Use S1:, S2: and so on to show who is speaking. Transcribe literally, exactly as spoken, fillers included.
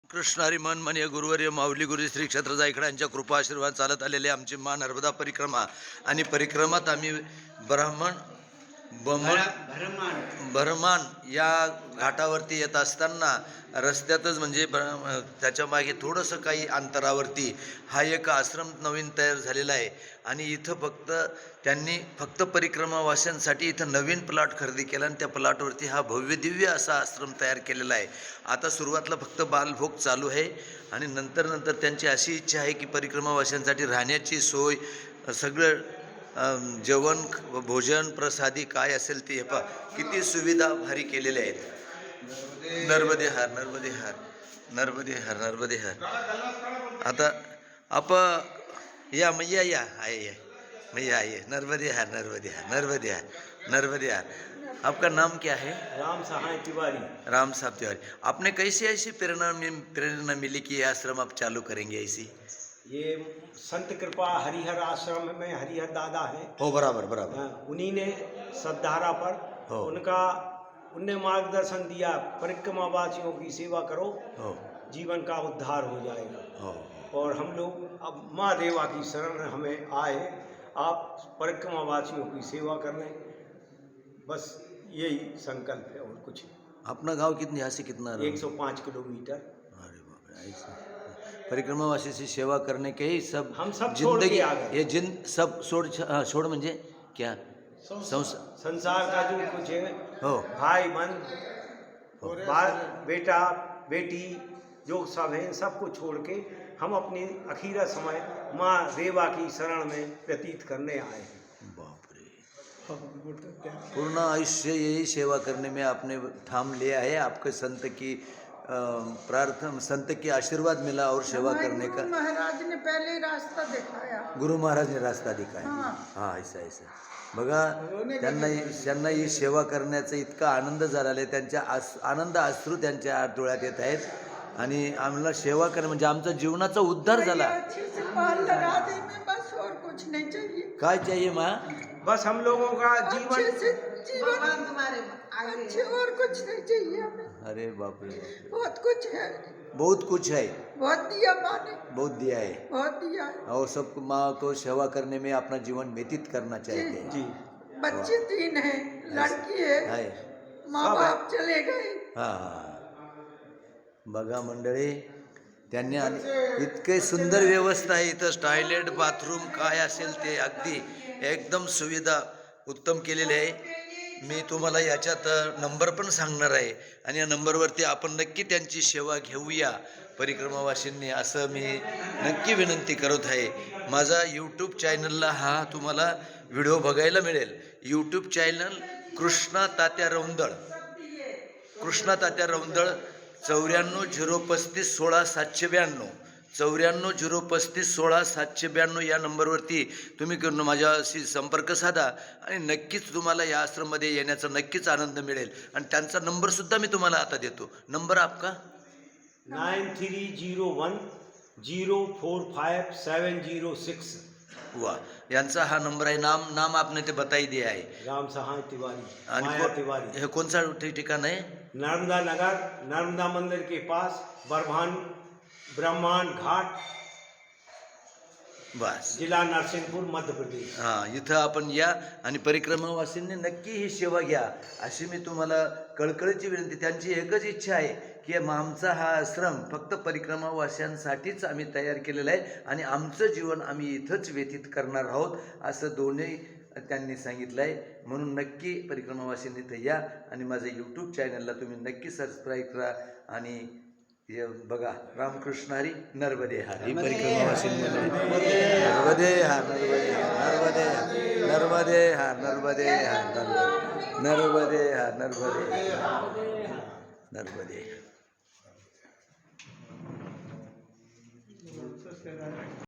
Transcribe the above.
S1: कृष्ण हरी मन माननीय गुरुवर्य माऊली गुरु श्री क्षेत्र जायकडे यांच्या कृपा आशीर्वाद चालत आलेले आमची मा नर्मदा परिक्रमा आणि परिक्रमात आम्ही ब्राह्मण बमण भरमान या घाटावरती येत असताना रस्त्यातच म्हणजे त्याच्या मागे थोडंसं काही अंतरावरती हा एक आश्रम नवीन तयार झालेला आहे आणि इथं फक्त त्यांनी फक्त परिक्रमावाल्यांसाठी इथं नवीन प्लॉट खरेदी केला आणि त्या प्लॉटवरती हा भव्य दिव्य असा आश्रम तयार केलेला आहे. आता सुरुवातीला फक्त बालभोग चालू आहे आणि नंतर नंतर त्यांची अशी इच्छा आहे की परिक्रमावाल्यांसाठी राहण्याची सोय सगळं जेवण भोजन प्रसादी काय असेल ते पहा किती सुविधा भारी केलेल्या आहेत. नर्मदे हार नर्मदे हार नर्मदे हार नर्मदे हार. आता आप या मैया या आहे या मैया आइए. नर्मदे हार नर्मदे हार नर्मदे हार नर्मदे हार. आपका नाम क्या है?
S2: राम सहाय तिवारी.
S1: राम साहब तिवारी. आपने कैसे ऐसी प्रेरणा प्रेरणा मिली कि ये आश्रम आप चालू करेंगे ऐसी?
S2: ये संत कृपा हरिहर आश्रम में हरिहर दादा हैं.
S1: हो बराबर बराबर.
S2: उन्हीं ने सद्धारा पर
S1: हो.
S2: उनका उनने मार्गदर्शन दिया परिक्रमा वासियों की सेवा करो
S1: हो.
S2: जीवन का उद्धार हो जाएगा.
S1: हो.
S2: और हम लोग अब माँ देवा की शरण हमें आए आप परिक्रमा वासियों की सेवा कर लें बस यही संकल्प है और कुछ.
S1: अपना गांव कितनी यहाँ से कितना?
S2: एक सौ पाँच किलोमीटर.
S1: अरे बाप रे. ऐसा परिक्रमावासी से सेवा करने के ही सब
S2: हम सब छोड़ के आ गए.
S1: ये जिन सब छोड़ छोड़ म्हणजे क्या
S2: संसार का जो कुछ है
S1: हो
S2: भाई बहन बाल बेटा बेटी जो सब है सबको छोड़ के हम अपनी अखीरा समय माँ देवा की शरण में व्यतीत करने आए हैं.
S1: बाप रे. पूर्ण आयुष्य यही सेवा करने में आपने ठाम लिया है. आपके संत की प्रार्थना संत की आशीर्वाद मिला और सेवा करने का.
S3: महाराज ने पहले रास्ता दिखाया.
S1: गुरु महाराज ने रास्ता दिखाया. हाँ ऐसा ऐसा बघा त्यांना त्यांना ही सेवा करण्याचा इतका आनंद झाला आहे. त्यांच्या आस आनंद अश्रू त्यांच्या डोळ्यात येत आहेत आणि आम्हाला सेवा करणं म्हणजे आमचा जीवनाचा उद्धार झाला. काय चाहिए माँ?
S2: बस हम लोगों का जीवन
S3: जीवन तुम्हारे अच्छे और कुछ नहीं चाहिए हमें.
S1: अरे बाप रे.
S3: बहुत कुछ है.
S1: बहुत कुछ है.
S3: बहुत दिया माँ ने.
S1: बहुत दिया है.
S3: बहुत दिया है.
S1: और सब माँ को सेवा करने में अपना जीवन व्यतीत करना चाहिए.
S2: जी.
S3: बच्चे तीन है लड़की है माँ बाप चले गए.
S1: हाँ बघा मंडळी त्यांनी इतके सुंदर व्यवस्था आहे इथं. टॉयलेट बाथरूम काय असेल ते अगदी एकदम सुविधा उत्तम केलेली आहे. मी तुम्हाला याच्यात नंबर पण सांगणार आहे आणि या नंबरवरती आपण नक्की त्यांची सेवा घेऊया परिक्रमावासींनी असं मी नक्की विनंती करत आहे. माझा यूट्यूब चॅनलला हा तुम्हाला व्हिडिओ बघायला मिळेल. यूट्यूब चॅनल कृष्णा तात्या रौंदळ कृष्णा तात्या रौंदळ चौऱ्याण्णव झिरो पस्तीस सोळा सातशे ब्याण्णव चौऱ्याण्णव झिरो पस्तीस सोळा सातशे ब्याण्णव या नंबरवरती तुम्ही माझ्याशी संपर्क साधा आणि नक्कीच तुम्हाला या आश्रममध्ये येण्याचा नक्कीच आनंद मिळेल. आणि त्यांचा नंबरसुद्धा मी तुम्हाला आता देतो. नंबर आपका
S2: nine three zero one zero four five seven zero six.
S1: वा यांचा हा नंबर आहे. नाम नाम आपने ते बताई दिया आहे.
S2: राम सहाय तिवारी.
S1: आणि
S2: तिवारी.
S1: हे कोणता ठिकाण आहे?
S2: नर्मदा नगर नर्मदा मंदिर के पास बरभान ब्रह्मांड घाट
S1: बस
S2: जिल्हा नरसिंहपूर मध्य प्रदेश.
S1: हां इथं आपण या आणि परिक्रमावासींनी नक्की ही सेवा घ्या अशी मी तुम्हाला कळकळीची विनंती. त्यांची एकच इच्छा आहे की आमचा हा आश्रम फक्त परिक्रमावास्यांसाठीच आम्ही तयार केलेला आहे आणि आमचं जीवन आम्ही इथंच व्यतीत करणार आहोत असं दोन्ही त्यांनी सांगितलं आहे. म्हणून नक्की परिक्रमावासींनी इथं या आणि माझं यूट्यूब चॅनलला तुम्ही नक्की सबस्क्राईब करा आणि हे बघा रामकृष्ण हरी नर्मदे हार. ही परिक्रमावासींनी नर्मदे हार नर्मदे हार नर्मदे हार नर्मदे हार नर्मदे हार नर्मदे हार नर्मदे.